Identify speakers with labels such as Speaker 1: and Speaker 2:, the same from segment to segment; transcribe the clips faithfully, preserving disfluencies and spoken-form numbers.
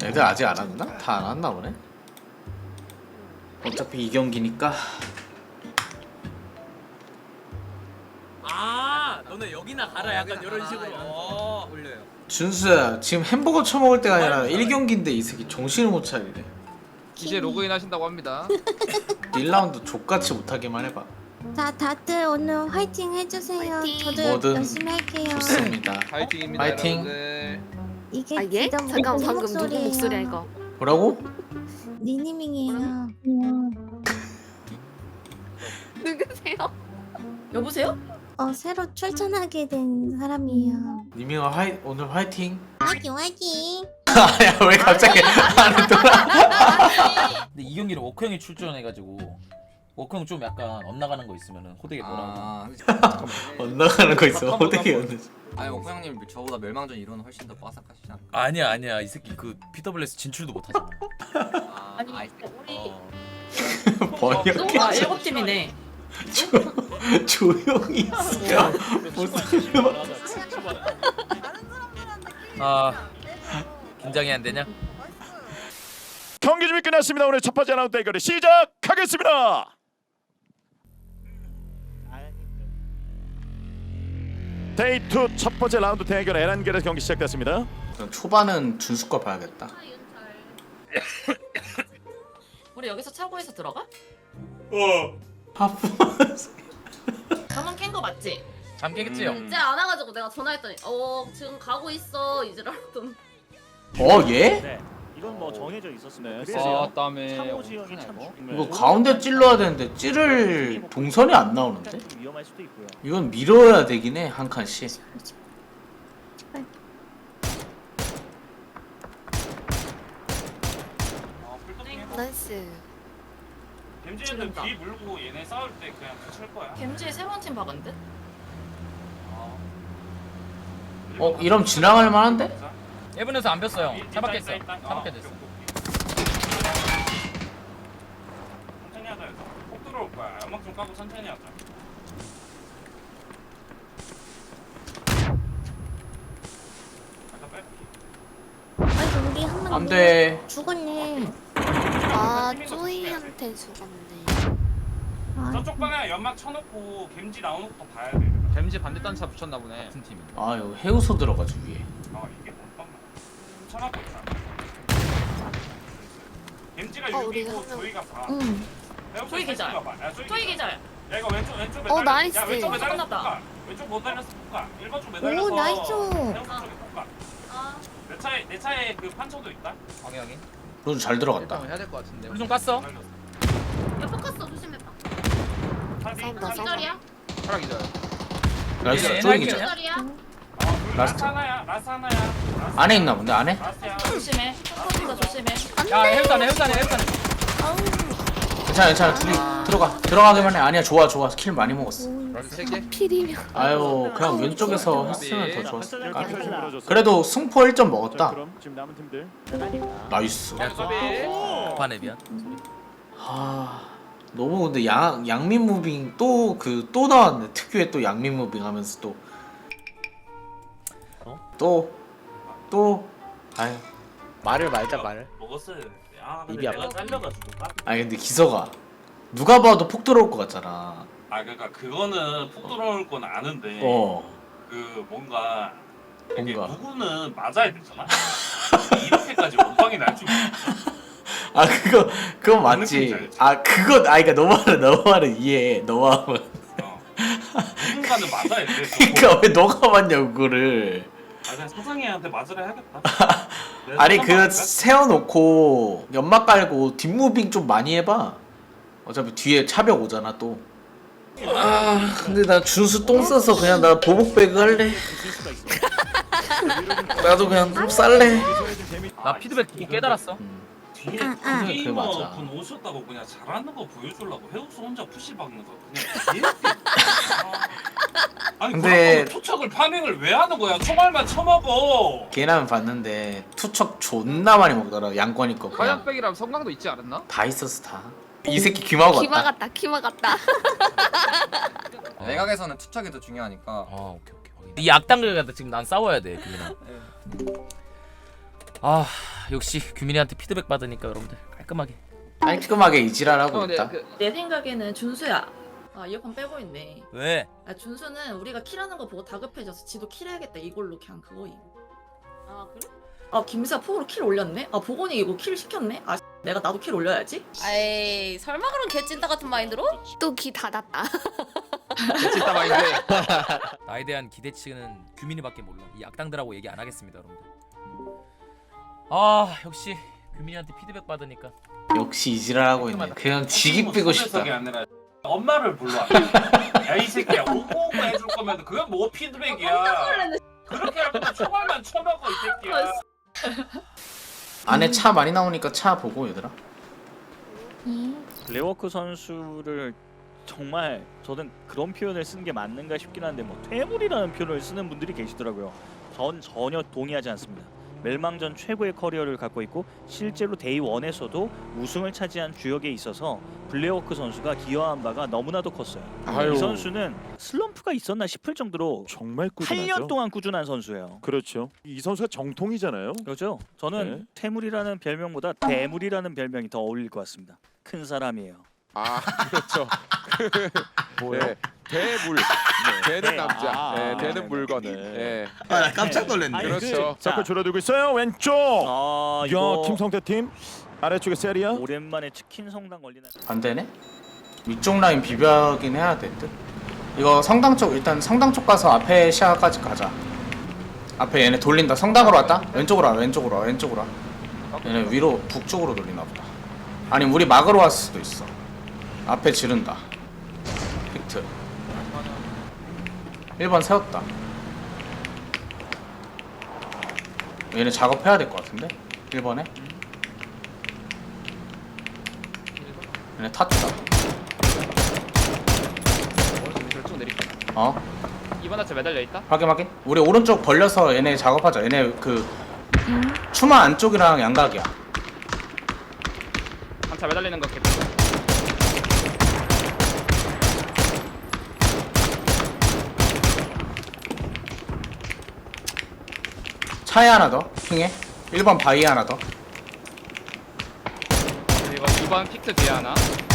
Speaker 1: 애들 아직 안 왔나? 다 안 왔나 보네. 어차피 이 경기니까.
Speaker 2: 아 너네 여기나 가라 약간 이런 식으로 어.
Speaker 3: 올려요.
Speaker 1: 준수야 지금 햄버거 처먹을 때가 아니라 일 경기인데 이 새끼 정신을 못 차리네.
Speaker 4: 이제 로그인 하신다고 합니다.
Speaker 1: 일 라운드 족같이 못하게만 해봐.
Speaker 5: 자, 다들 오늘 화이팅 해주세요.
Speaker 6: 화이팅.
Speaker 5: 저도
Speaker 1: 뭐든
Speaker 5: 열심히 할게요.
Speaker 1: 좋습니다.
Speaker 4: 파이팅입니다.
Speaker 1: 파이팅.
Speaker 4: 여러분들.
Speaker 5: 이게
Speaker 6: 아 예?
Speaker 5: 진짜
Speaker 6: 잠깐
Speaker 5: 우리
Speaker 6: 방금 누구
Speaker 5: 목소리예요.
Speaker 6: 목소리야 이거?
Speaker 1: 뭐라고?
Speaker 5: 니니밍이에요.
Speaker 6: 누구세요?
Speaker 7: 여보세요?
Speaker 5: 어, 새로 출전하게 된 사람이에요.
Speaker 1: 니미가 화이 오늘 화이팅.
Speaker 5: 화이팅 화이팅.
Speaker 1: 아야 왜 갑자기 안에 돌아?
Speaker 2: 근데 이 경기를 워크 형이 출전해가지고 워크 형 좀 약간 엇나가는 거 있으면은 호되게 뭐라고
Speaker 3: 아,
Speaker 1: 엇나가는 거 있어. 어떻게 였는지.
Speaker 3: 아니 오코 형님 저보다 멸망전 이론은 훨씬 더 빠삭하시지 않나?
Speaker 2: 아니야 아니야 이 새끼 그 피더블유에스 진출도 못하잖아.
Speaker 3: 아,
Speaker 7: 아니
Speaker 3: 아이,
Speaker 7: 우리
Speaker 3: 어.
Speaker 1: 번역해.
Speaker 7: 아 일곱 팀이네.
Speaker 1: 조- 조용히 있어요. 무슨
Speaker 2: 아 긴장이 안 되냐?
Speaker 8: 경기 준비 끝났습니다. 오늘 첫 번째 라운드 대결이 시작하겠습니다. 데이 투 첫 번째 라운드 대결 에란겔에서 경기 시작됐습니다.
Speaker 1: 초반은 준수 거 봐야겠다.
Speaker 7: 우리 여기서 차고에서 들어가?
Speaker 1: 하프.
Speaker 7: 잠은 깬 거 맞지?
Speaker 2: 잠 깨겠지요?
Speaker 3: 음.
Speaker 9: 이제 안 와가지고 내가 전화했더니 어 지금 가고 있어 이제라던.
Speaker 1: 어 얘?
Speaker 10: 네, 이건 뭐 정해져 있었습니다.
Speaker 8: 네.
Speaker 10: 그래서
Speaker 4: 아, 다음에
Speaker 10: 참호 지형이 참
Speaker 4: 이거?
Speaker 10: 중요해요.
Speaker 1: 이거 가운데 찔러야 되는데 찌를 동선이 안 나오는데?
Speaker 10: 좀 위험할 수도 있고요.
Speaker 1: 이건 밀어야 되긴 해 한 칸씩.
Speaker 6: 나이스.
Speaker 7: 겜지는
Speaker 11: 뒤 물고 얘네 싸울 때 그냥 붙일 거야.
Speaker 7: 겜지에 새로운 팀 박은데?
Speaker 1: 어 이러면 지나갈 만한데?
Speaker 2: 일본에서 안 뺐어 형. 차박했어. 차박해 됐어.
Speaker 11: 천천히 하자 해서 폭 들어올 거야. 연막 좀 까고 천천히 하자. 아까 빼.
Speaker 5: 아이고 우리 한명
Speaker 1: 안 돼.
Speaker 5: 죽었네.
Speaker 6: 아 쪼이한테 죽었네.
Speaker 5: 아,
Speaker 11: 저쪽 방에 연막 쳐놓고 겜지 나오는 것도 봐야 돼.
Speaker 4: 뱀지 반대 단차 붙였나 보네.
Speaker 2: 같은 팀이.
Speaker 1: 아 이거 해우소 들어가지 위에.
Speaker 11: 아 이게 뭔 쳐놓고 있다. 겜지가
Speaker 6: 어, 우리
Speaker 11: 육이고
Speaker 6: 한 명.
Speaker 11: 조이가 사.
Speaker 5: 응.
Speaker 7: 조이 기절. 조이 기절.
Speaker 11: 야 이거 왼쪽 왼쪽
Speaker 6: 어,
Speaker 11: 매달려.
Speaker 6: 나이스.
Speaker 11: 야 왼쪽
Speaker 7: 어,
Speaker 11: 매달려서
Speaker 7: 끝났다.
Speaker 11: 볼까? 왼쪽 못 달려서 볼까? 일 번 쪽 매달려서.
Speaker 5: 오, 나이스.
Speaker 11: 해우소 쪽에 볼까?
Speaker 9: 아
Speaker 11: 내 차에 내 차에 그 판초도 있다.
Speaker 2: 확인 확인.
Speaker 1: 로즈 잘 들어갔다.
Speaker 4: 일단 해야 될 것 같은데.
Speaker 2: 우리 좀 깠어.
Speaker 9: 야 포커스 조심해봐.
Speaker 6: 싸운다 싸운다.
Speaker 9: 기절이야?
Speaker 4: 하락이죠.
Speaker 1: 나이스
Speaker 2: 얘네
Speaker 1: 쪼이기죠.
Speaker 2: 할게요.
Speaker 9: 기절이야?
Speaker 11: 라스트
Speaker 1: 라스트.
Speaker 11: 하나야. 라스트 하나야. 라스트
Speaker 1: 안에 있나 본데 안에?
Speaker 11: 라스트야.
Speaker 7: 조심해. 포커스가 조심해.
Speaker 2: 야 해우산해 해우산해 해우산해.
Speaker 1: 괜찮아 괜찮아 둘이 들어가 들어가기만 해. 아니야 좋아 좋아 킬 많이 먹었어.
Speaker 4: 라스 세 개.
Speaker 6: 필이면.
Speaker 1: 아유 그냥 왼쪽에서 했으면 더 좋았을
Speaker 10: 네,
Speaker 1: 까.
Speaker 10: 펼쳐 밀어줬어요.
Speaker 1: 그래도 승포 일 점
Speaker 10: 자,
Speaker 1: 먹었다.
Speaker 10: 그럼 지금 남은 팀들
Speaker 1: 나이스.
Speaker 2: 야 소비. 반에 미안.
Speaker 1: 아 너무 근데 양 양민 무빙 또 그 또 나왔네. 특유의 또 양민 무빙 하면서 또 또 또 아유
Speaker 3: 말을 말자 말.
Speaker 11: 먹었어야 돼. 아 근데
Speaker 3: 입이
Speaker 11: 내가
Speaker 3: 아파.
Speaker 11: 잘려가지고. 까-
Speaker 1: 아니 근데 기서가 누가 봐도 폭 들어올 것 같잖아.
Speaker 11: 아 그러니까 그거는 푹 들어올 건 아는데.
Speaker 1: 어
Speaker 11: 그 뭔가. 이게
Speaker 1: 뭔가.
Speaker 11: 누구는 맞아야 되잖아. 이렇게까지 원방이 날 줄.
Speaker 1: 아 그거 그거
Speaker 11: 느낌인지
Speaker 1: 맞지.
Speaker 11: 알지?
Speaker 1: 아 그거 아 그러니까 너 말은 너 말은 이해해. 너 마음은.
Speaker 11: 어. 누군가는 맞아야 돼.
Speaker 1: 그러니까 왜 너가 맞냐 그거를.
Speaker 11: 아 그냥 사장이한테 맞으라 해야겠다.
Speaker 1: 아니 그 세워놓고 연막 깔고 뒷무빙 좀 많이 해봐. 어차피 뒤에 차벽 오잖아 또. 아 근데 나 준수 똥 싸서 그냥 나 보복 배그 할래.
Speaker 10: 있을 수가 있어.
Speaker 1: 나도 그냥 좀 쌀래.
Speaker 2: 나 피드백 보고 깨달았어.
Speaker 1: 음.
Speaker 11: 뒤에
Speaker 5: 아, 아.
Speaker 1: 그래,
Speaker 11: 게이머
Speaker 1: 맞아.
Speaker 11: 분 오셨다고 그냥 잘하는 거 보여주려고 해우수 혼자 푸시 박는 거 그냥 개 아니
Speaker 1: 근데-
Speaker 11: 근데 투척을 파밍을 왜 하는 거야? 총알만 쳐먹어.
Speaker 1: 걔라면 봤는데 투척 존나 많이 먹더라. 양권이 거 그냥
Speaker 4: 화약백이랑 성광도 있지 않았나?
Speaker 1: 다 있었어 다. 이 새끼 귀마고
Speaker 6: 기마
Speaker 1: 같다.
Speaker 6: 같다 기마 같다.
Speaker 3: 외곽에서는 투척이 더 중요하니까.
Speaker 2: 아 오케이 오케이. 이 악당들과 지금 난 싸워야 돼. 그냥. 아 역시 규민이한테 피드백 받으니까 여러분들 깔끔하게.
Speaker 1: 깔끔하게 이지랄하고
Speaker 4: 어, 근데
Speaker 1: 있다.
Speaker 4: 그,
Speaker 7: 내 생각에는 준수야. 아 이어폰 빼고 있네.
Speaker 2: 왜?
Speaker 7: 아 준수는 우리가 킬하는 거 보고 다급해져서 지도 킬해야겠다 이걸로 그냥 그거임. 아 그래? 아 김수야 폭으로 킬 올렸네? 아 보건이 이거 킬 시켰네? 아 내가 나도 킬 올려야지?
Speaker 9: 에이 설마 그런 개찐따 같은 마인드로?
Speaker 6: 또 귀 닫았다.
Speaker 4: 진짜 마인드.
Speaker 2: 나에 대한 기대치는 규민이밖에 몰라. 이 악당들하고 얘기 안 하겠습니다, 여러분들. 아 역시 규민이한테 피드백 받으니까.
Speaker 1: 역시 이지랄하고 있네. 그냥 지기 빼고 싶다.
Speaker 11: 소매석이 아니라 엄마를 불러. 야 이 새끼야 오고 오고 해줄 거면 그게 뭐 피드백이야. 그렇게 하면 총알만 쳐먹어 이 새끼야.
Speaker 1: 안에 차 많이 나오니까 차 보고 얘들아.
Speaker 10: 블랙워크 선수를 정말 저는 그런 표현을 쓰는 게 맞는가 싶긴 한데 뭐 퇴물이라는 표현을 쓰는 분들이 계시더라고요. 전 전혀 동의하지 않습니다. 멸망전 최고의 커리어를 갖고 있고 실제로 데이원에서도 우승을 차지한 주역에 있어서 블랙워크 선수가 기여한 바가 너무나도 컸어요.
Speaker 8: 아유.
Speaker 10: 이 선수는 슬럼프가 있었나 싶을 정도로
Speaker 8: 정말
Speaker 10: 팔
Speaker 8: 꾸준하죠.
Speaker 10: 년 동안 꾸준한 선수예요.
Speaker 8: 그렇죠. 이 선수가 정통이잖아요.
Speaker 10: 그렇죠. 저는
Speaker 8: 네.
Speaker 10: 퇴물이라는 별명보다 대물이라는 별명이 더 어울릴 것 같습니다. 큰 사람이에요.
Speaker 12: 아 그렇죠.
Speaker 8: 뭐예요?
Speaker 12: 네, 대물. 되는
Speaker 10: 네.
Speaker 12: 남자.
Speaker 10: 아,
Speaker 12: 네,
Speaker 10: 아,
Speaker 12: 되는
Speaker 10: 네.
Speaker 12: 물건을.
Speaker 10: 네.
Speaker 12: 네.
Speaker 1: 아, 나 깜짝 놀랐네.
Speaker 10: 아니,
Speaker 12: 그렇죠.
Speaker 10: 자,
Speaker 8: 자꾸 줄어들고 있어요. 왼쪽.
Speaker 10: 아
Speaker 8: 야,
Speaker 10: 이거
Speaker 8: 김성태 팀 아래쪽에 세리아.
Speaker 10: 오랜만에 치킨 성당 걸리는.
Speaker 1: 안 되네? 위쪽 라인 비벼긴 해야 될 듯. 이거 성당 쪽 일단 성당 쪽 가서 앞에 시야까지 가자. 앞에 얘네 돌린다. 성당으로 왔다. 왼쪽으로 와. 왼쪽으로 와. 왼쪽으로 와. 얘네 위로 북쪽으로 돌리나 보다. 아니 우리 막으러 왔을 수도 있어. 앞에 지른다. 픽트. 일 번 세웠다. 얘네 작업해야 될 것 같은데? 일 번에? 얘네 탔다.
Speaker 4: 오른쪽 쭉 내릴게.
Speaker 1: 어?
Speaker 4: 이번 하체 매달려 있다.
Speaker 1: 확인 확인. 우리 오른쪽 벌려서 얘네 작업하자. 얘네 그 추마 안쪽이랑 양각이야.
Speaker 4: 한차 매달리는 거 개피.
Speaker 1: 차에 하나 더. 핑해. 일 번 바위 하나 더.
Speaker 4: 그리고 이번 픽트 뒤에 하나.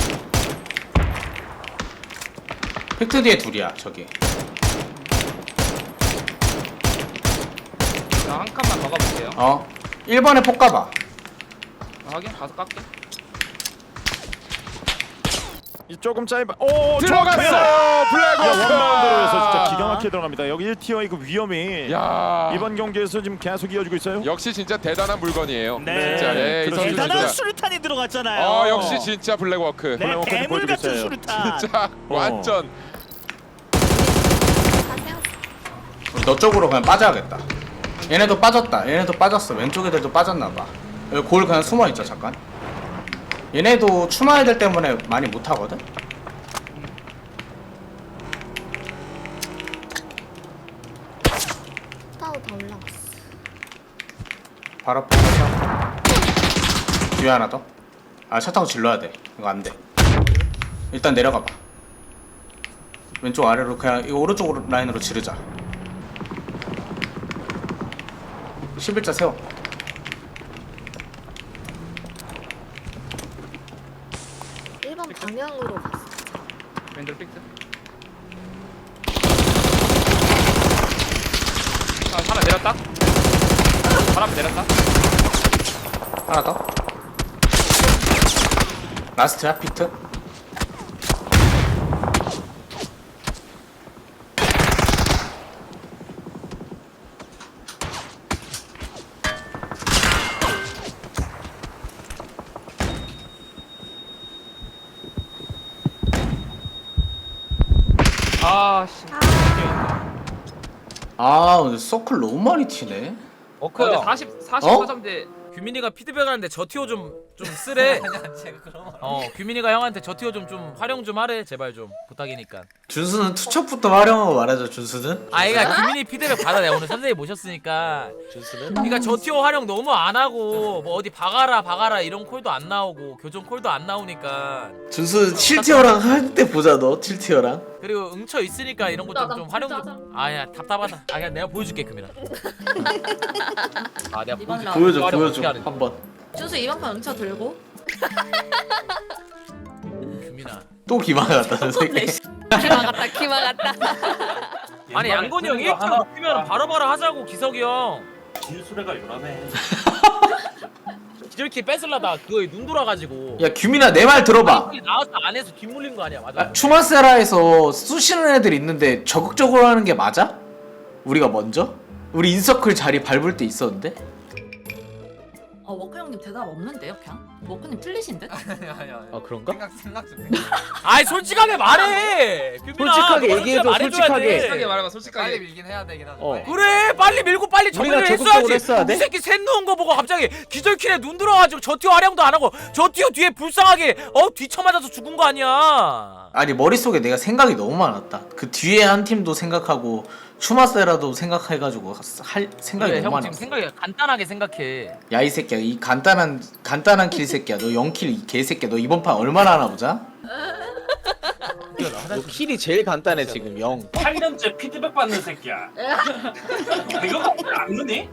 Speaker 1: 팩트 뒤에 둘이야. 저기.
Speaker 4: 나 한 칸만 더 가볼게요.
Speaker 1: 어. 일 번에 폭 가봐.
Speaker 4: 아, 확인 가서 깎게.
Speaker 8: 이 조금 짧아. 오,
Speaker 12: 들어갔어요.
Speaker 8: 야,
Speaker 12: 블랙워크.
Speaker 8: 원바운드로 해서 진짜 기가 막히게 들어갑니다. 여기 일 티어의 그 위험이
Speaker 12: 야.
Speaker 8: 이번 경기에서 지금 계속 이어지고 있어요.
Speaker 12: 역시 진짜 대단한 물건이에요.
Speaker 10: 네.
Speaker 12: 진짜. 네, 이 선수
Speaker 10: 대단한
Speaker 12: 진짜.
Speaker 10: 수류탄이 들어갔잖아요.
Speaker 12: 어, 역시 진짜 블랙워크.
Speaker 10: 네,
Speaker 8: 블랙워크는
Speaker 10: 괴물
Speaker 8: 보여주고
Speaker 10: 같은
Speaker 8: 있어요.
Speaker 10: 수류탄.
Speaker 12: 진짜
Speaker 8: 어.
Speaker 12: 완전.
Speaker 1: 우리 너 쪽으로 그냥 빠져야겠다. 얘네도 빠졌다. 얘네도 빠졌어. 왼쪽 애들도 빠졌나봐. 여기 골 그냥 숨어있자 잠깐. 얘네도 추마 애들 때문에 많이 못하거든?
Speaker 6: 타워 다 올라갔어.
Speaker 1: 바로 앞에 차. 뒤에 하나 더. 아, 차 타고 질러야 돼. 이거 안 돼. 일단 내려가봐. 왼쪽 아래로 그냥 이거 오른쪽 라인으로 지르자. 십일자 세워.
Speaker 6: 일 번 방향으로 갔어.
Speaker 4: 왼쪽 픽트. 아, 하나 내렸다. 바로 앞에 내렸다.
Speaker 1: 하나 더. 라스트야, 피트.
Speaker 4: 아 씨.
Speaker 1: 아, 근데 서클 너무 많이 튀네.
Speaker 4: 어, 근데 사십 사십사 점대.
Speaker 2: 규민이가 피드백하는데 저 티오 좀 좀 쓰래.
Speaker 3: 아니야 제가 그런 말.
Speaker 2: 어 규민이가 형한테 저 티어 좀 좀 활용 좀 하래 제발 좀 부탁이니까.
Speaker 1: 준수는 투척부터 활용하고 말하죠. 준수는.
Speaker 2: 아 이가 규민이 피드백 받아. 내가 오늘 선생님 모셨으니까. 준수는? 그러니까 저 티어 활용 너무 안 하고 뭐 어디 박아라 박아라 이런 콜도 안 나오고 교정 콜도 안 나오니까.
Speaker 1: 준수 칠 티어랑 할 때 보자 너. 칠 티어랑.
Speaker 2: 그리고 응처 있으니까 이런 거 좀 좀 활용
Speaker 9: 짜장.
Speaker 2: 좀. 아야 답답하다. 아 그냥 내가 보여줄게 규민아. 아 내가
Speaker 7: 이번
Speaker 2: 보여줄게.
Speaker 7: 라운드.
Speaker 1: 보여줘
Speaker 2: 활용
Speaker 1: 보여줘
Speaker 2: 어떻게 하는지.
Speaker 1: 한번.
Speaker 7: 준수 이번 판 응차 들고.
Speaker 2: 규민아.
Speaker 1: 또 기만 같다는 새끼.
Speaker 6: 기마 같다 기마 같다.
Speaker 2: 아니 양건이 형 일 티어 높이면 바로바로 하자고 기석이 형.
Speaker 11: 진수레가 요란해.
Speaker 2: 기절키 뺏으려다 그거에 눈 돌아가지고.
Speaker 1: 야 규민아 내 말 들어봐.
Speaker 2: 빨리 나와서 안에서 뒷물린 거 아니야 맞아?
Speaker 1: 아, 추마세라에서 쑤시는 애들 있는데 적극적으로 하는 게 맞아? 우리가 먼저? 우리 인서클 자리 밟을 때 있었는데?
Speaker 7: 어 워커 형님 대답 없는데요 그냥? 워커님 틀리신 듯?
Speaker 3: 아니야 아니야.
Speaker 1: 아 그런가?
Speaker 3: 생각 생각 좀.
Speaker 2: 아이 솔직하게 말해. 규민아,
Speaker 1: 솔직하게
Speaker 2: 너
Speaker 1: 얘기해줘,
Speaker 2: 말해줘야
Speaker 1: 솔직하게.
Speaker 2: 돼.
Speaker 3: 솔직하게 말하면 솔직하게 빨리 밀긴 해야 되긴 하죠.
Speaker 1: 어.
Speaker 3: 빨리.
Speaker 2: 그래 빨리 밀고 빨리
Speaker 1: 우리가
Speaker 2: 정리를
Speaker 1: 적극적으로
Speaker 2: 했어야지.
Speaker 1: 했어야 돼?
Speaker 2: 이 새끼 셋 누운 거 보고 갑자기 기절킬에 눈 들어가지고 저 티어 활용도 안 하고 저 티어 뒤에 불쌍하게 어 뒤쳐맞아서 죽은 거 아니야.
Speaker 1: 아니 머릿속에 내가 생각이 너무 많았다. 그 뒤에 한 팀도 생각하고 추마세라도 생각해가지고 할 생각이
Speaker 2: 그래,
Speaker 1: 너무
Speaker 2: 형 지금
Speaker 1: 많았어.
Speaker 2: 생각이 간단하게 생각해.
Speaker 1: 야 이 새끼야 이 간단한 간단한 킬 새끼야. 너 영 킬 이 개새끼야. 너 이번 판 얼마나 하나 보자. 너 킬이 제일 간단해 지금 영.
Speaker 11: 팔 년째 피드백 받는 새끼야. 이거 안 넣니?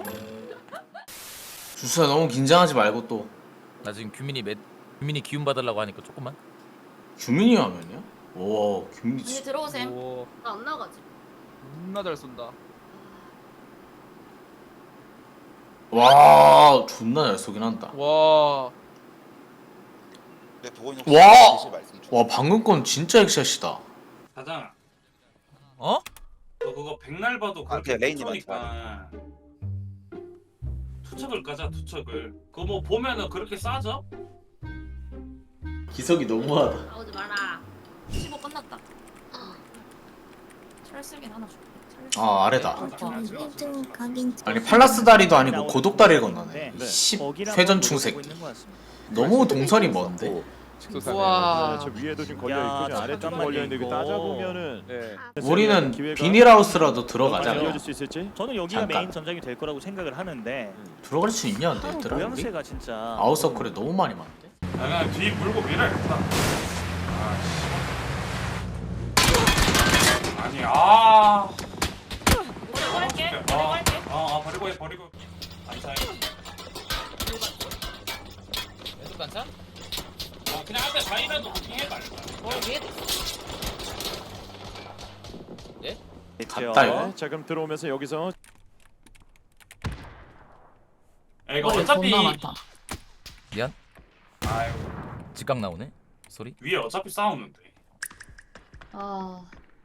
Speaker 1: 주수야 너무 긴장하지 말고 또.
Speaker 2: 나 지금 규민이 매, 규민이 기운 받으려고 하니까 조금만.
Speaker 1: 규민이 하면요? 오 규민이
Speaker 7: 언니
Speaker 1: 진짜.
Speaker 7: 들어오셈.
Speaker 9: 나 안 나가지.
Speaker 3: 존나 잘 쏜다.
Speaker 1: 와 존나 잘 쏘긴 한다.
Speaker 3: 와.
Speaker 1: 와! 와 방금 건 진짜 액샷이다.
Speaker 11: 사장.
Speaker 2: 어?
Speaker 11: 너 그거 백날 봐도 그렇게 레이니까 투척을 까자 투척을. 그거 뭐 보면은 그렇게 싸져?
Speaker 1: 기석이 너무하다.
Speaker 9: 나오지 마라.
Speaker 7: 십오 끝났다. 철쓰긴 하나 줄게.
Speaker 1: 아 아래다.
Speaker 5: 일 등 각인.
Speaker 1: 아니 팔라스 다리도 아니고 고독 다리를 건너네.
Speaker 10: 네.
Speaker 1: 십
Speaker 10: 거기를
Speaker 1: 회전충
Speaker 10: 한번 노려보고
Speaker 1: 새끼.
Speaker 10: 있는 것 같습니다.
Speaker 1: 너무 동선이 먼데.
Speaker 12: 우와.
Speaker 8: 저 위에도 지금 걸려
Speaker 10: 야,
Speaker 8: 있고 아래쪽도
Speaker 10: 잠깐만요,
Speaker 8: 걸려 있는데 이거
Speaker 10: 이거.
Speaker 8: 따져 보면은
Speaker 12: 네.
Speaker 1: 우리는
Speaker 8: 기회가
Speaker 1: 비닐하우스라도 들어가자.
Speaker 8: 많이
Speaker 1: 그냥.
Speaker 8: 이어질 수 있을지?
Speaker 10: 저는 여기가
Speaker 1: 잠깐.
Speaker 10: 메인 전장이 될 거라고 생각을 하는데
Speaker 1: 들어갈 수 있냐 안 돼? 얘들아 우리?
Speaker 10: 모양새가 진짜
Speaker 1: 아웃서클에 너무 많이 많은데.
Speaker 11: 아, 그냥 뒤 물고 밀어야겠다. 아, 아니 아.
Speaker 7: 버리고 할게. 버리고
Speaker 11: 아,
Speaker 7: 할게.
Speaker 11: 아, 아 버리고 해 버리고. 안 사요.
Speaker 2: 왼쪽 단차?
Speaker 11: 아, 그냥 한대 사이라도 부팅해 말자.
Speaker 2: 어 위에
Speaker 10: 대체요.
Speaker 1: 갔다, 이거.
Speaker 8: 네, 자 그럼 들어오면서 여기서
Speaker 11: 야, 이거
Speaker 7: 머리
Speaker 11: 어차피
Speaker 7: 존나 많다.
Speaker 2: 미안.
Speaker 11: 아유
Speaker 2: 직각 나오네 소리.
Speaker 11: 위에 어차피 싸우는데.
Speaker 9: 아.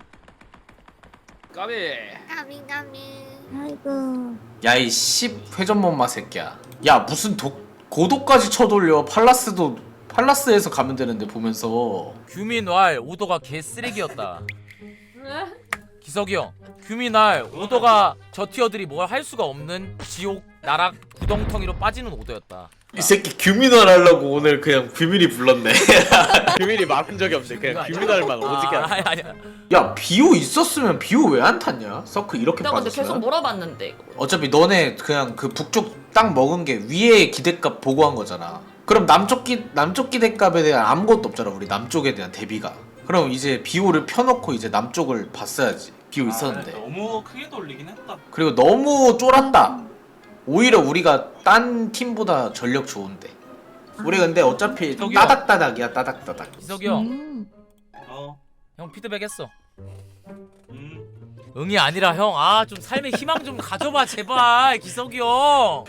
Speaker 3: 까비.
Speaker 5: 까미 까미. 아이고.
Speaker 1: 야이 십 회전목마 새끼야. 야 무슨 독 고독까지 쳐돌려. 팔라스도 팔라스에서 가면 되는데 보면서.
Speaker 2: 규민 왈 오도가 개 쓰레기였다. 기석이 형 규민 왈 오도가 저 티어들이 뭘 할 수가 없는 지옥 나락 구덩텅이로 빠지는 오도였다.
Speaker 1: 이 새끼 규민을 하려고 오늘 그냥 규민이 불렀네. 규민이 막은 적이 없는데 그냥 규민할만 오지게
Speaker 2: 아,
Speaker 1: 하네.
Speaker 2: 아니 아니야.
Speaker 1: 야 비오 있었으면 비오 왜 안 탔냐? 서클 이렇게
Speaker 7: 내가 근데 계속
Speaker 1: 빠졌으면.
Speaker 7: 몰아봤는데 이거.
Speaker 1: 어차피 너네 그냥 그 북쪽 땅 먹은 게 위에 기대값 보고 한 거잖아. 그럼 남쪽 기 남쪽 기대값에 대한 아무것도 없잖아. 우리 남쪽에 대한 대비가. 그럼 이제 비오를 펴놓고 이제 남쪽을 봤어야지. 비오 있었는데.
Speaker 11: 아, 너무 크게 돌리긴 했다.
Speaker 1: 그리고 너무 쫄았다. 오히려 우리가 딴 팀보다 전력 좋은데. 우리 근데 어차피
Speaker 2: 저기요.
Speaker 1: 따닥따닥이야 따닥따닥.
Speaker 2: 기석이 형,
Speaker 5: 음.
Speaker 11: 어.
Speaker 2: 형 피드백 했어.
Speaker 11: 음.
Speaker 2: 응이 아니라 형, 아 좀 삶의 희망 좀 가져봐 제발 기석이 형.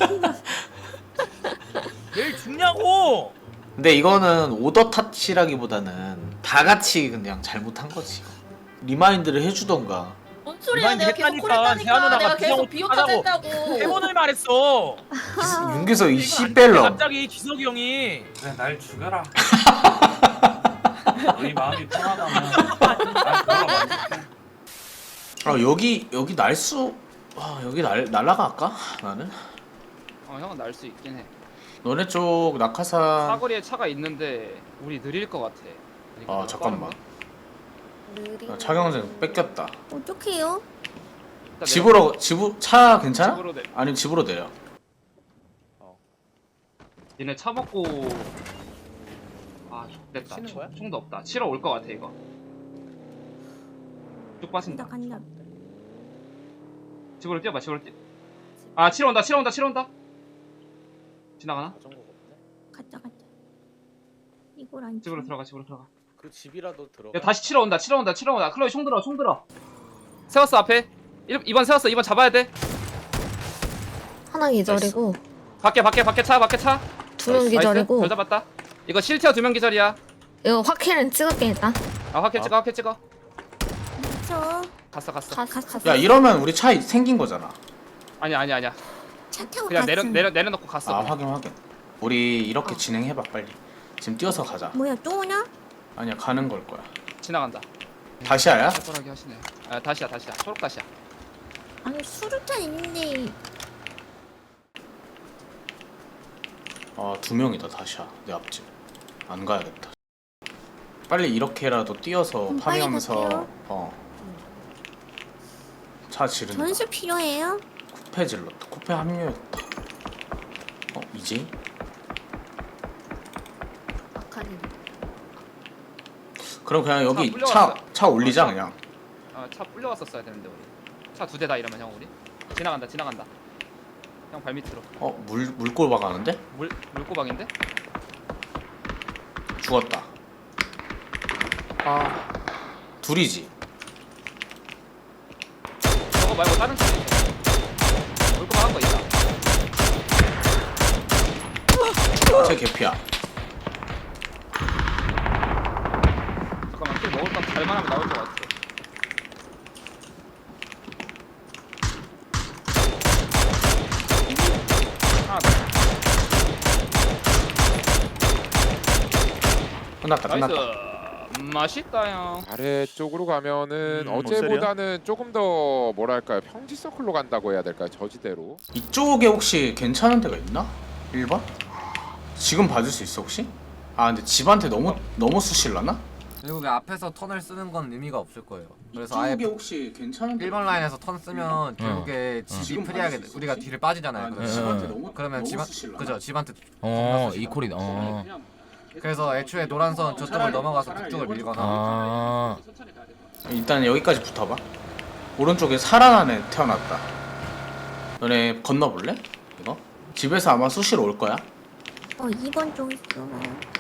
Speaker 2: 내일 죽냐고.
Speaker 1: 근데 이거는 오더 탓이라기보다는 다 같이 그냥 잘못한 거지. 리마인드를 해주던가.
Speaker 7: 뭔 소리야?
Speaker 2: 리마인드
Speaker 7: 내가 계속
Speaker 2: 했다니까. 세아
Speaker 7: 콜했다니까.
Speaker 2: 누나가
Speaker 7: 내가 계속
Speaker 2: 비상호
Speaker 7: 비오타
Speaker 2: 하자고.
Speaker 7: 했다고.
Speaker 2: 세 번을 말했어.
Speaker 1: 윤기석 이
Speaker 2: 이건 안 돼,
Speaker 1: 씨벨럼.
Speaker 2: 갑자기 기석이 형이.
Speaker 11: 그래 날 죽여라. 너희 마음이 편하다면 날 걸어봐.
Speaker 1: 아 여기 여기 날수. 아 여기 날 날라갈까? 나는.
Speaker 3: 어 형은 날 수 있긴 해.
Speaker 1: 너네 쪽 낙하산.
Speaker 4: 사거리에 차가 있는데 우리 느릴 것 같아.
Speaker 1: 아 잠깐만.
Speaker 5: 느리.
Speaker 1: 나 차경증 뺏겼다.
Speaker 5: 어떡해요?
Speaker 4: 일단
Speaker 1: 집으로 집으 차 괜찮아?
Speaker 4: 집으로 내.
Speaker 1: 아니면 집으로 내려.
Speaker 4: 얘네 차 먹고 아 됐다.
Speaker 2: 치는 거야?
Speaker 4: 총도 없다. 치러 올 것 같아 이거. 쭉 빠진다.
Speaker 5: 간다 간다.
Speaker 4: 집으로 뛰어봐. 집으로 뛰. 아 치러 온다. 치러 온다. 치러 온다. 지나가나?
Speaker 5: 가자 가자. 이걸 안.
Speaker 4: 집으로
Speaker 5: 치네.
Speaker 4: 들어가. 집으로 들어가.
Speaker 1: 그 집이라도 들어.
Speaker 4: 야 다시 치러 온다. 치러 온다. 치러 온다. 클로이 총 들어. 총 들어. 세웠어 앞에. 일 번 세웠어. 이 번 잡아야 돼.
Speaker 6: 하나 기절이고
Speaker 4: 밖에 밖에 밖에 차. 밖에 차.
Speaker 6: 두 명
Speaker 4: 나이스.
Speaker 6: 기절이고
Speaker 4: 별 잡았다. 이거 실티어 두 명 기절이야.
Speaker 6: 이거 확킬은 찍을게 일단.
Speaker 4: 아 확킬 찍어. 확킬 찍어.
Speaker 5: 저
Speaker 4: 갔어 갔어.
Speaker 6: 가,
Speaker 5: 갔어.
Speaker 1: 야 이러면 우리 차 생긴 거잖아.
Speaker 4: 아니야 아니야 아니야.
Speaker 5: 차 타고
Speaker 4: 그냥 내려
Speaker 5: 갔음.
Speaker 4: 내려 내려놓고 갔어.
Speaker 1: 아 확인 확인. 우리 이렇게 진행해봐 빨리. 지금 뛰어서 가자.
Speaker 5: 뭐야 또 오냐?
Speaker 1: 아니야 가는 걸 거야.
Speaker 4: 지나간다.
Speaker 1: 다시야야?
Speaker 4: 뻔하게 하시네. 아 다시야 다시야. 초록다시야.
Speaker 5: 아니 수류탄 있는데.
Speaker 1: 아두 명이다 다시야 내 앞집. 안 가야겠다. 빨리 이렇게라도 뛰어서
Speaker 5: 그럼 빨리
Speaker 1: 파밍하면서
Speaker 5: 갈게요.
Speaker 1: 어. 차 지른다.
Speaker 5: 전술 필요해요?
Speaker 1: 쿠페 질렀다. 쿠페 합류했다. 어 이제?
Speaker 6: 아카리.
Speaker 1: 그럼 그냥 여기
Speaker 4: 차
Speaker 1: 차
Speaker 4: 불려왔어.
Speaker 1: 차 올리자 그냥.
Speaker 4: 아차 불려왔었어야 되는데 우리. 차 두 대다 이러면 형 우리. 지나간다 지나간다. 형 발밑으로.
Speaker 1: 어 물 물골 박았는데?
Speaker 4: 물 물고방인데?
Speaker 1: 죽었다. 아 둘이지.
Speaker 4: 저거 말고 다른 차 있어. 물고방 한 거 있다.
Speaker 1: 제 개피야.
Speaker 4: 잠깐만 킬 먹을 건 잘만하면 나올 것 같아. 하나 더.
Speaker 1: 끝났다 끝났다.
Speaker 4: 나이스. 맛있다 형.
Speaker 12: 아래쪽으로 가면은
Speaker 8: 음, 뭐
Speaker 12: 어제보다는 조금 더 뭐랄까요 평지 서클로 간다고 해야 될까요 저지대로.
Speaker 1: 이쪽에 혹시 괜찮은 데가 있나? 일 번? 지금 봐줄 수 있어 혹시? 아 근데 집한테 너무 너무 수실라나?
Speaker 3: 그리고 그 앞에서 턴을 쓰는 건 의미가 없을 거예요. 그래서 아예
Speaker 1: 혹시 괜찮은
Speaker 3: 일 번 라인에서 턴 쓰면 결국에 집이
Speaker 1: 지금
Speaker 3: 프리하게
Speaker 1: 받을 수 있어,
Speaker 3: 우리가
Speaker 1: 혹시?
Speaker 3: 뒤를 빠지잖아요.
Speaker 1: 아, 근데
Speaker 3: 그러면
Speaker 1: 집한테
Speaker 2: 응,
Speaker 1: 너무
Speaker 3: 그러면
Speaker 1: 너무
Speaker 3: 집안
Speaker 1: 수실라나?
Speaker 3: 그죠 집한테
Speaker 2: 어 이콜이 어.
Speaker 3: 그래서 애초에 노란선 저쪽을 넘어가서 북쪽을 밀거나
Speaker 2: 아.
Speaker 1: 일단 여기까지 붙어봐. 오른쪽에 살아난 애 태어났다. 너네 건너볼래? 이거? 집에서 아마 수시로 올 거야.
Speaker 5: 어 이 번 쪽 있어요.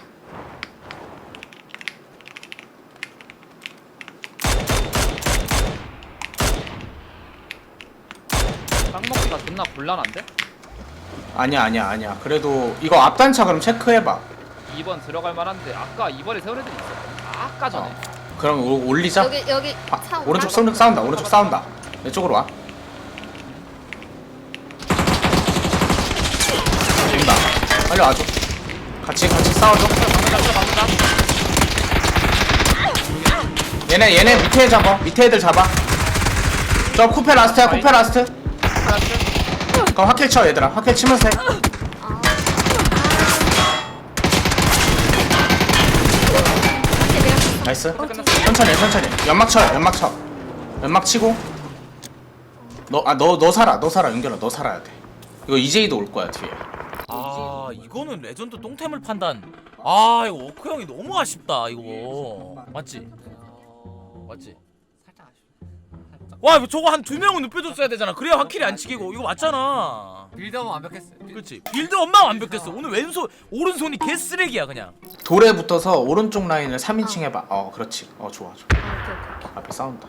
Speaker 4: 땅 먹기가 존나 곤란한데?
Speaker 1: 아니야 아니야 아니야. 그래도 이거 앞단차 그럼 체크해봐.
Speaker 4: 이 번 들어갈 만한데 아까 이 번에 세운 애들이 있어. 아까 전에.
Speaker 1: 그럼 오- 올리자.
Speaker 6: 여기 여기
Speaker 1: 아,
Speaker 6: 차
Speaker 1: 오른쪽
Speaker 6: 온다.
Speaker 1: 싸운다, 싸운다 오른쪽 싸운다. 내 쪽으로 와. 온다. 빨리 와줘. 같이 같이 싸워줘. 얘네 얘네 밑에 잡아. 밑에 애들 잡아. 저 쿠페 라스트야. 쿠페 라스트. 그럼 확킬 쳐 얘들아. 확킬 치면서 해. 나이스. 천천히 해, 천천히. 연막 쳐 연막 쳐. 연막 치고. 너 아 너 너 살아. 너 살아. 윤결아 너 살아야 돼. 이거 이제이도 올 거야 뒤에.
Speaker 2: 아 이거는 레전드 똥템을 판단. 아 이거 워크 형이 너무 아쉽다 이거. 맞지? 맞지? 와 이거 저거 한 두 명은 눕혀줬어야 되잖아. 그래야 확킬이 안 치기고. 이거 맞잖아.
Speaker 3: 빌드업은 완벽했어.
Speaker 2: 그렇지. 빌드 엄마 완벽했어. 오늘 왼손 오른손이 개쓰레기야 그냥.
Speaker 1: 돌에 붙어서 오른쪽 라인을 삼 인칭 해봐. 어 그렇지. 어 좋아 좋아.
Speaker 6: 아, 오케이 오케이 오케이.
Speaker 1: 앞에 싸운다.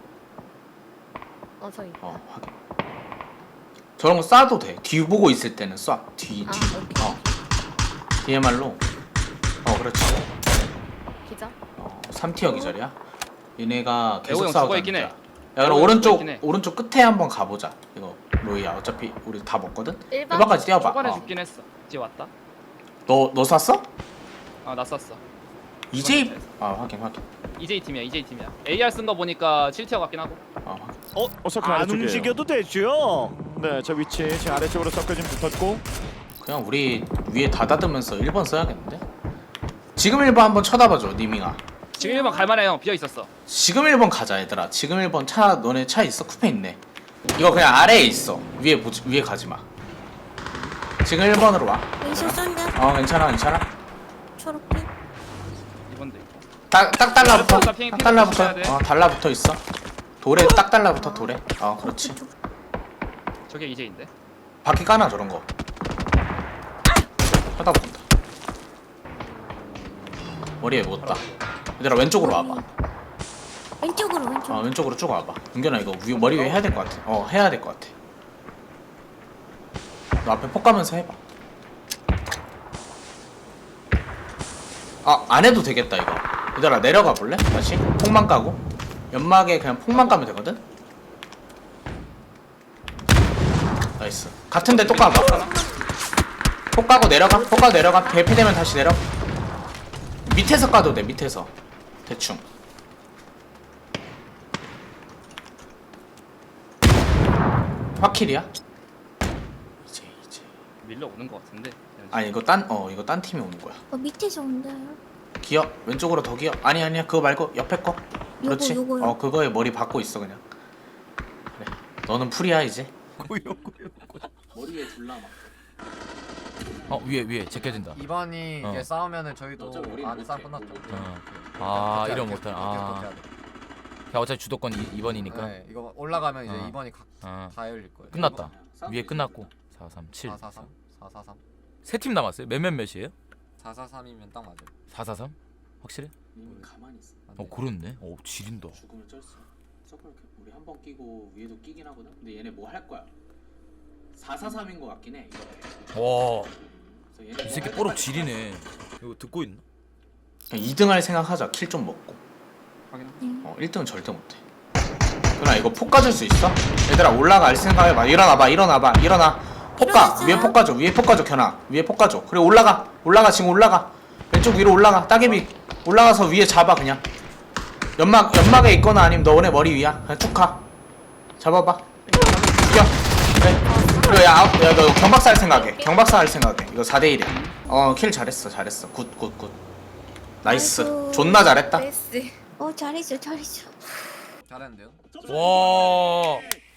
Speaker 6: 어 저기.
Speaker 1: 어 확인. 저런 거 쏴도 돼. 뒤 보고 있을 때는 쏴. 뒤
Speaker 6: 아,
Speaker 1: 뒤.
Speaker 6: 오케이.
Speaker 1: 어. 디엠알로. 어 그렇지.
Speaker 6: 기자.
Speaker 1: 어 삼 티어 기절이야. 얘네가 계속
Speaker 4: 애호 형
Speaker 1: 싸우자.
Speaker 4: 죽어 있긴 해.
Speaker 1: 야 그럼
Speaker 4: 애호 형
Speaker 1: 오른쪽
Speaker 4: 죽어 있긴 해.
Speaker 1: 오른쪽 끝에 한번 가보자. 이거 로이야. 어차피 우리 다 먹거든.
Speaker 6: 일 번.
Speaker 1: 일 번까지 뛰어봐.
Speaker 4: 초반에
Speaker 1: 어.
Speaker 4: 죽긴 했어. 이제 왔다.
Speaker 1: 너너 쐈어?
Speaker 4: 아나 쐈어.
Speaker 1: 이제이. 아 확인 확인.
Speaker 4: 이제이 팀이야. 이제이 팀이야. 에이알 쓴 거 보니까 칠 티어 같긴 하고.
Speaker 1: 아 확인.
Speaker 8: 어 서클
Speaker 10: 안
Speaker 8: 아래쪽이에요.
Speaker 10: 움직여도 되죠.
Speaker 8: 네, 저 위치 제 아래쪽으로 서클 좀 붙었고
Speaker 1: 그냥 우리 위에 닫아두면서 일 번 써야겠는데? 지금 일 번 한번 쳐다봐줘 니밍아.
Speaker 4: 지금 일 번 갈만해 형 비어 있었어.
Speaker 1: 지금 일 번 가자 얘들아. 지금 일 번 차 너네 차 있어? 쿠페 있네. 이거 그냥 아래에 있어. 위에 보지 위에 가지마. 지금 일 번으로 와.
Speaker 5: 왼쪽 쏜다.
Speaker 1: 어 괜찮아 괜찮아.
Speaker 5: 초록빛.
Speaker 4: 이 번도 있고.
Speaker 1: 딱, 딱 달라붙어.
Speaker 4: 핑, 핑
Speaker 1: 딱 달라붙어.
Speaker 4: 조심해야 돼.
Speaker 1: 어 달라붙어 있어. 돌에 딱 달라붙어 돌에. 어 그렇지.
Speaker 4: 저게 이제인데.
Speaker 1: 바퀴 까나 저런 거. 쳐다본다. 머리에 묻었다. 얘들아 왼쪽으로 와봐.
Speaker 5: 왼쪽으로 왼쪽.
Speaker 1: 어 왼쪽으로 쭉 와봐. 은견아 이거 위, 머리 위에 해야 될 것 같아. 어 해야 될 것 같아. 너 앞에 폭 가면서 해봐. 아 안 해도 되겠다 이거. 얘들아 내려가 볼래? 다시 폭만 까고 연막에 그냥 폭만 까면 되거든. 나이스. 같은데 또 까봐. 폭 까고 내려가. 폭 까고 내려가. 대피되면 다시 내려. 밑에서 까도 돼. 밑에서 대충. 확킬이야? 이제 이제.
Speaker 4: 밀려 오는 것 같은데.
Speaker 1: 아니 이거 딴 어 이거 딴 팀이 오는 거야.
Speaker 5: 어 밑에서 온다요.
Speaker 1: 기어 왼쪽으로 더 기어. 아니 아니야 그거 말고 옆에 거. 그렇지.
Speaker 5: 요거, 요거요.
Speaker 1: 어 그거에 머리 박고 있어 그냥. 그래. 너는 풀이야 이제. 머리 위에 둘러봐.
Speaker 2: 어 위에 위에 제껴진다.
Speaker 3: 이 번이
Speaker 2: 어.
Speaker 3: 이게 싸우면은 저희도
Speaker 1: 어차피 우리
Speaker 3: 아
Speaker 1: 못
Speaker 3: 싸움
Speaker 1: 해.
Speaker 3: 끝났죠.
Speaker 2: 어. 아 이런 못한. 아. 야 어차피 주도권 이 번이니까.
Speaker 3: 네, 이거 올라가면 이제
Speaker 2: 어.
Speaker 3: 이 번이 각
Speaker 2: 어.
Speaker 3: 다 열릴 거예요.
Speaker 2: 끝났다. 위에 끝났고. 사 삼 칠.
Speaker 3: 사사삼 사사삼
Speaker 2: 세 팀 남았어요. 몇 몇 몇이에요?
Speaker 3: 사사삼이면 딱 맞아요.
Speaker 2: 사 사 삼? 확실해?
Speaker 1: 가만히 있어.
Speaker 2: 어 그렇네. 어 지린다.
Speaker 1: 죽음을 쩔수. 서클 우리 한 번 끼고 위에도 끼긴 하거든. 근데 얘네 뭐 할 거야? 사사삼인 거 같긴 해. 이거.
Speaker 2: 와.
Speaker 1: 그래서 얘네
Speaker 2: 이 새끼 뽀록 지리네. 이거 듣고 있나?
Speaker 1: 이 등 할 생각하자. 킬 좀 먹고. 어 일 등은 절대 못해. 그나 이거 폭 가질 수 있어? 얘들아 올라갈 생각해봐. 일어나봐 일어나봐 일어나. 폭가 위에 폭 가져 위에 폭 가져 견아 위에 폭 가져. 그래 올라가 올라가 지금 올라가. 왼쪽 위로 올라가. 따개비 올라가서 위에 잡아 그냥. 연막 연막에 있거나 아니면 너네 머리 위야. 그냥 쭉 가. 잡아봐. 죽여. 그래. 그래 야너 경박사 할 생각해. 경박사 할 생각해. 이거 사 대 일이야. 어 킬 잘했어 잘했어. 굿 굿 굿. 나이스.
Speaker 5: 아이고.
Speaker 1: 존나 잘했다.
Speaker 6: 메시.
Speaker 5: 어 잘했어 잘했어.
Speaker 3: 잘했는데요?
Speaker 2: 와.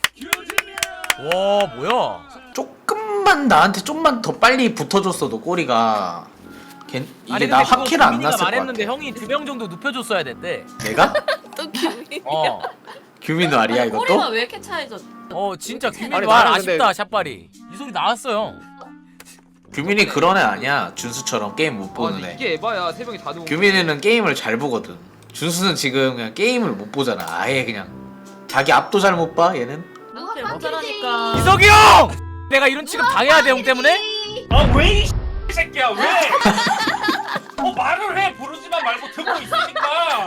Speaker 2: 와 뭐야?
Speaker 1: 조금만 나한테 좀만 더 빨리 붙어줬어도 꼬리가 걘, 이게 나 확킬 안 났을 것 같아.
Speaker 2: 말했는데 형이 두 명 정도 눕혀줬어야 됐대.
Speaker 1: 내가?
Speaker 6: 또 규민이.
Speaker 2: 어.
Speaker 1: 규민도 아리야 이것도?
Speaker 9: 왜 이렇게 차이져?
Speaker 2: 어 진짜 규민
Speaker 12: 아니,
Speaker 2: 말
Speaker 12: 나는
Speaker 2: 아쉽다 샷발이. 이 소리 나왔어요.
Speaker 1: 규민이 그런 애 아니야. 준수처럼 게임 못
Speaker 4: 아
Speaker 1: 보는
Speaker 4: 근데
Speaker 1: 애.
Speaker 4: 이게 에바야 세 명이 다 누운.
Speaker 1: 규민이는 게임을 잘 보거든. 준수는 지금 그냥 게임을 못 보잖아. 아예 그냥 자기 앞도 잘 못 봐 얘는.
Speaker 9: 누가 못하라니까.
Speaker 2: 이석이 형! 내가 이런 취급 당해야 돼 형 때문에?
Speaker 11: 아왜 이 새끼야 왜? 어 말을 해 부르지만 말고 듣고 있으니까.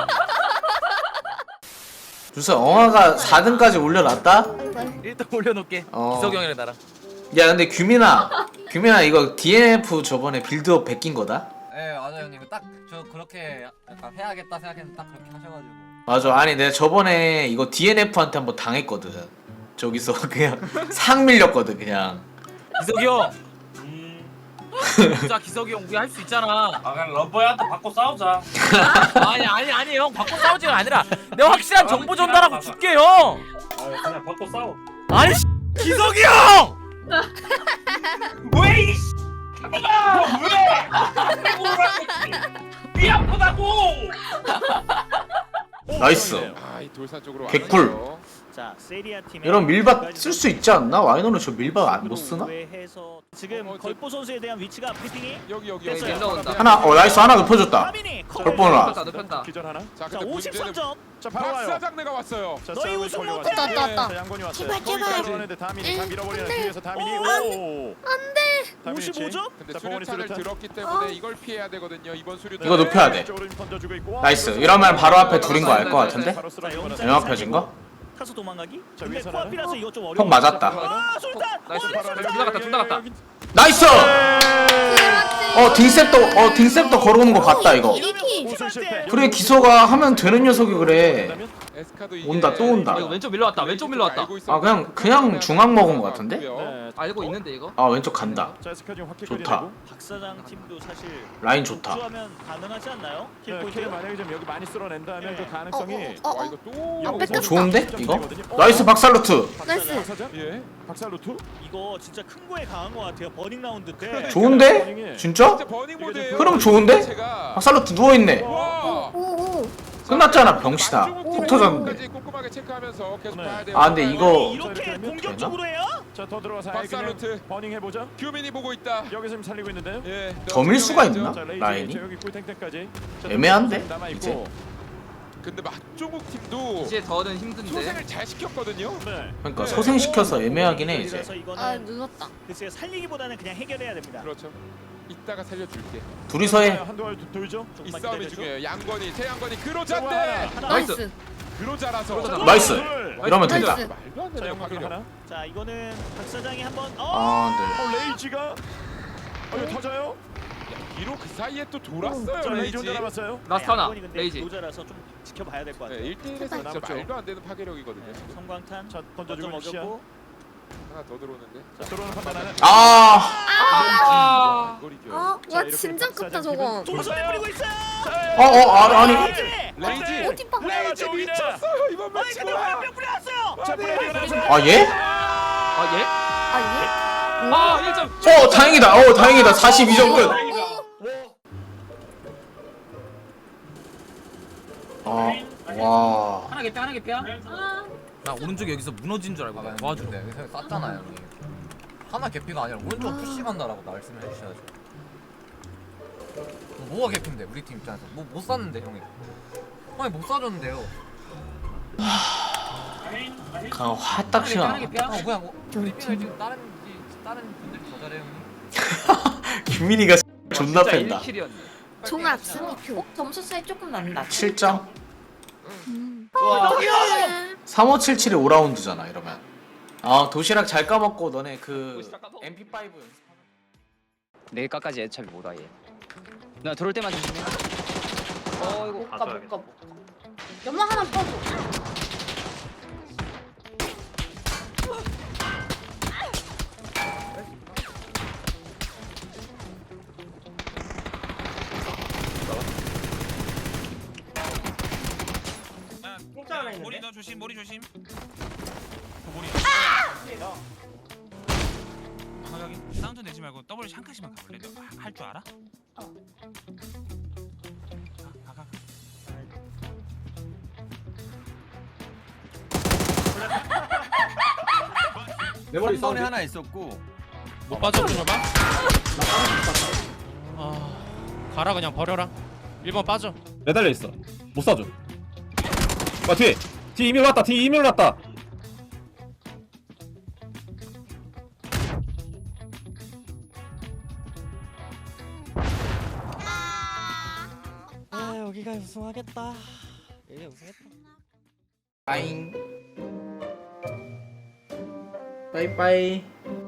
Speaker 1: 준수 엉아가 사 등까지 올려놨다?
Speaker 2: 일단 올려놓게.
Speaker 1: 어.
Speaker 2: 이석이 형이랑 나랑.
Speaker 1: 야 근데 규민아 규민아 이거 디엔에프 저번에 빌드업 베낀 거다?
Speaker 3: 네 맞아요 형님. 딱 저 그렇게 약간 해야겠다 생각했는데 딱 그렇게 하셔가지고.
Speaker 1: 맞아. 아니 내가 저번에 이거 디엔에프한테 한번 당했거든. 저기서 그냥 상 밀렸거든 그냥.
Speaker 2: 기석이 형. 진짜 기석이 형 우리 할 수 있잖아.
Speaker 11: 아 그냥 러버한테 받고 싸우자.
Speaker 2: 아니 아니 아니 형 바꿔 싸우지가 아니라 내가 확실한 정보 전달하고 줄게 형.
Speaker 11: 아 그냥 받고 싸워.
Speaker 2: 아니 기석이 형.
Speaker 11: 왜 이 아, 왜? 위 아프다고.
Speaker 1: 나이스.
Speaker 12: 아이 돌산 쪽으로
Speaker 1: 개꿀.
Speaker 12: 왔어요.
Speaker 10: 자 세리아 팀
Speaker 1: 이런 밀밭 쓸 수 있지 않나? 와이너는 저 밀밭 안 못 쓰나?
Speaker 10: 해서 지금
Speaker 12: 어, 어, 저-
Speaker 10: 걸포 선수에 대한 위치가 브리핑이
Speaker 12: 여기 여기
Speaker 10: 됐어요.
Speaker 12: 여기.
Speaker 4: 올라온다.
Speaker 1: 하나 어 나이스 하나 높여줬다.
Speaker 10: 하민이
Speaker 1: 걸보나.
Speaker 4: 눕혔다 눕혔다.
Speaker 8: 기절 하나.
Speaker 12: 자
Speaker 10: 자
Speaker 12: 근데
Speaker 10: 오십삼
Speaker 12: 문제는
Speaker 10: 점.
Speaker 8: 자 바로 와요.
Speaker 12: 박사장내가 왔어요.
Speaker 8: 자,
Speaker 10: 너희
Speaker 8: 싸움을
Speaker 10: 우승
Speaker 8: 걸려가지고.
Speaker 10: 못해.
Speaker 6: 왔다, 왔다, 왔다.
Speaker 8: 자, 양권이 왔어요.
Speaker 5: 제발, 제발.
Speaker 8: 거기까지 왔는데 다민이 다 밀어버리는 뒤에서 다민이
Speaker 10: 오,
Speaker 8: 오.
Speaker 10: 오십오 점?
Speaker 12: 근데
Speaker 8: 자, 봉원이
Speaker 12: 수류탄을
Speaker 8: 수류탄.
Speaker 12: 들었기 때문에 이걸 피해야 되거든요. 이번 수류탄.
Speaker 1: 이거 높여야 돼.
Speaker 8: 쪽으로 던져주고 있고.
Speaker 1: 나이스. 이러면 바로 앞에 둘인 거 알 것 같은데?
Speaker 8: 바로 쓰러지고
Speaker 10: 자,
Speaker 8: 나서.
Speaker 1: 영화 펴진 거?
Speaker 10: 타서 도망가기?
Speaker 8: 자,
Speaker 10: 근데
Speaker 8: 위에서
Speaker 10: 코앞이라서 이거 좀 어려워.
Speaker 1: 폭 맞았다.
Speaker 10: 아 술탄!
Speaker 4: 나이스.
Speaker 10: 어,
Speaker 4: 둘 다 갔다 둘 다 갔다.
Speaker 1: 나이스! 어 딩셉도 어 딩셉도 걸어오는 거 봤다 이거.
Speaker 5: 이키.
Speaker 10: 우승 실패.
Speaker 1: 그래 기서가 하면 되는 녀석이 그래.
Speaker 12: 예, 에스카도 이게
Speaker 1: 온다, 또 온다.
Speaker 4: 아, 이거 왼쪽 밀려왔다. 왼쪽 밀려왔다.
Speaker 12: 알고 있었는데
Speaker 1: 아 그냥 그냥 중앙 먹은 것 같은데?
Speaker 8: 네.
Speaker 4: 알고 있는데 이거?
Speaker 1: 아 왼쪽 간다.
Speaker 8: 자, 에스카 지금 확실히
Speaker 1: 좋다.
Speaker 8: 내고.
Speaker 10: 박사장 팀도 사실
Speaker 1: 라인 좋다.
Speaker 10: 우주하면 가능하지 않나요?
Speaker 8: 네,
Speaker 10: 킬포인트.
Speaker 8: 킬 만약에 좀 여기 많이 쓸어낸다면 그 가능성이
Speaker 5: 어, 어,
Speaker 12: 와 이거 또
Speaker 5: 아, 뺏겼다.
Speaker 1: 좋은데 이거?
Speaker 8: 어,
Speaker 1: 나이스 박살루트.
Speaker 5: 나이스.
Speaker 8: 박사장? 예. 박살루트?
Speaker 10: 이거 진짜 큰 거에 강한 것 같아요. 버닝 라운드 때.
Speaker 1: 좋은데? 진짜?
Speaker 12: 진짜 버닝 모드예요.
Speaker 1: 흐름 좋은데?
Speaker 12: 제가
Speaker 1: 박살루트 누워 있네.
Speaker 12: 와.
Speaker 5: 오오.
Speaker 1: 끝났잖아 병신아. 훅 터졌는데.
Speaker 12: 까지 꼼꼼하게 체크하면서 계속
Speaker 8: 네.
Speaker 12: 봐야 돼요.
Speaker 1: 아 근데 이거
Speaker 10: 이렇게 공격적으로 해요?
Speaker 8: 자, 더 들어가서
Speaker 12: 박살루트.
Speaker 8: 버닝 해보자.
Speaker 12: 규민이 보고 있다.
Speaker 8: 여기서 지금 살리고 있는데요.
Speaker 12: 예.
Speaker 1: 더 밀 수가 있나?
Speaker 8: 자, 레이지
Speaker 1: 라인이?
Speaker 8: 여기 꿀탱탱까지. 자,
Speaker 1: 애매한데?
Speaker 8: 남아
Speaker 1: 이제?
Speaker 8: 있고.
Speaker 12: 근데 맛조국 팀도
Speaker 4: 이제 더는 힘든데.
Speaker 12: 소생을 잘 시켰거든요.
Speaker 8: 네.
Speaker 1: 그러니까 소생시켜서 애매하긴 해 이제.
Speaker 10: 그래서 이거는
Speaker 5: 아 눌렀다.
Speaker 10: 글쎄요 살리기보다는 그냥 해결해야 됩니다.
Speaker 12: 그렇죠. 이따가 살려줄게.
Speaker 1: 둘이서 해.
Speaker 8: 한두 알 돌죠.
Speaker 12: 이
Speaker 10: 조금만
Speaker 12: 싸움이
Speaker 10: 기다려줘.
Speaker 12: 중요해요. 양건이, 최양건이
Speaker 8: 자,
Speaker 12: 그로자인데
Speaker 8: 하나.
Speaker 5: 나이스.
Speaker 12: 그로자라서
Speaker 1: 나이스.
Speaker 8: 둘.
Speaker 1: 이러면 된다.
Speaker 5: 나이스.
Speaker 12: 말도 안
Speaker 8: 자,
Speaker 12: 되는
Speaker 8: 연막으로
Speaker 12: 파괴력.
Speaker 8: 하나.
Speaker 10: 자 이거는 박사장이 한번 어!
Speaker 1: 아 근데
Speaker 8: 어, 레이지가 어, 이거 터져요?
Speaker 12: 뒤로 그 사이에 또 돌았어요.
Speaker 8: 자, 레이지
Speaker 12: 레이지.
Speaker 8: 혼자 남았어요.
Speaker 4: 라스트 하나.
Speaker 10: 이건이 근데
Speaker 4: 레이지.
Speaker 10: 노자라서 좀 지켜봐야 될 것 같아요.
Speaker 12: 네, 일 대 일에서 진짜
Speaker 8: 남았죠.
Speaker 12: 말도 안 되는 파괴력이거든요. 지금.
Speaker 10: 성광탄
Speaker 8: 자,
Speaker 10: 먼저
Speaker 8: 던져주고 시야.
Speaker 10: 먹였고
Speaker 12: 하나 더 들어오는데.
Speaker 8: 자, 들어오는 판단하는.
Speaker 1: 아
Speaker 4: 아.
Speaker 12: 이걸 이겨.
Speaker 5: 아,
Speaker 8: 자,
Speaker 5: 와
Speaker 8: 이렇게
Speaker 5: 진짜
Speaker 8: 박사장
Speaker 5: 컸다 저거.
Speaker 10: 동선에 뿌리고 있어요.
Speaker 1: 어, 어, 아, 아니.
Speaker 12: 레이지.
Speaker 5: 어디 봐.
Speaker 12: 레이지 미쳤어요. 이번
Speaker 10: 아니
Speaker 12: 매치
Speaker 10: 근데
Speaker 12: 뭐야?
Speaker 10: 화염병 뿌렸어요.
Speaker 8: 자, 플레이가 나서.
Speaker 1: 아 얘?
Speaker 4: 아 예?
Speaker 5: 아
Speaker 4: 아 일 점.
Speaker 1: 어 다행이다. 어 다행이다. 사십이 점 끝. 아 와.
Speaker 4: 하나 개피 하나 개피야.
Speaker 2: 나 오른쪽 여기서 무너진 줄 알고 도와준대.
Speaker 3: 여기서 쌌잖아요 형님. 하나 개피가 아니라 오른쪽 푸시 간다라고 말씀을 해주셔야죠. 뭐가 개피인데 우리 팀 입장에서 뭐 못 쌌는데 형이. 형이 못 쏴줬는데요.
Speaker 1: 그냥 화딱지가.
Speaker 4: 하나 개피야.
Speaker 3: 어 그냥 뭐 우리 팀을 지금 다른 이- 다른 분들이 더 잘해요 형님.
Speaker 1: 규민이가 존나
Speaker 4: 진짜
Speaker 1: 팬다.
Speaker 4: 일 킬이었네.
Speaker 5: 종합 순위표.
Speaker 7: 어, 점수 차이 조금 난다.
Speaker 1: 칠 점.
Speaker 5: 음.
Speaker 4: 와.
Speaker 1: 삼오칠칠이 오 라운드잖아 이러면. 아 도시락 잘 까먹고 너네 그 엠피 파이브 연습.
Speaker 3: 내일까지 애차비 못하 얘. 나 들어올 때만 조심해. 어 이거
Speaker 7: 못가 못가 못가. 연막 하나 퍼줘.
Speaker 11: 머리 너 조심 머리 조심. 머리. 아 여기 사운드 내지 말고 더블 한 칸씩만 가볼래? 너 할 줄 알아?
Speaker 7: 어.
Speaker 11: 가, 가, 가.
Speaker 3: 내 머리 에 하나 있었고.
Speaker 11: 못 빠져 들어봐. 아 가라 그냥 버려라. 일 번 빠져.
Speaker 13: 매달려 있어. 못 쏴줘. 와 뒤에 뒤에 이밀 났다. 뒤에 이밀 났다.
Speaker 10: 아 여기가 우승하겠다. 얘 우승했다.
Speaker 1: 빠잉. 빠이빠이.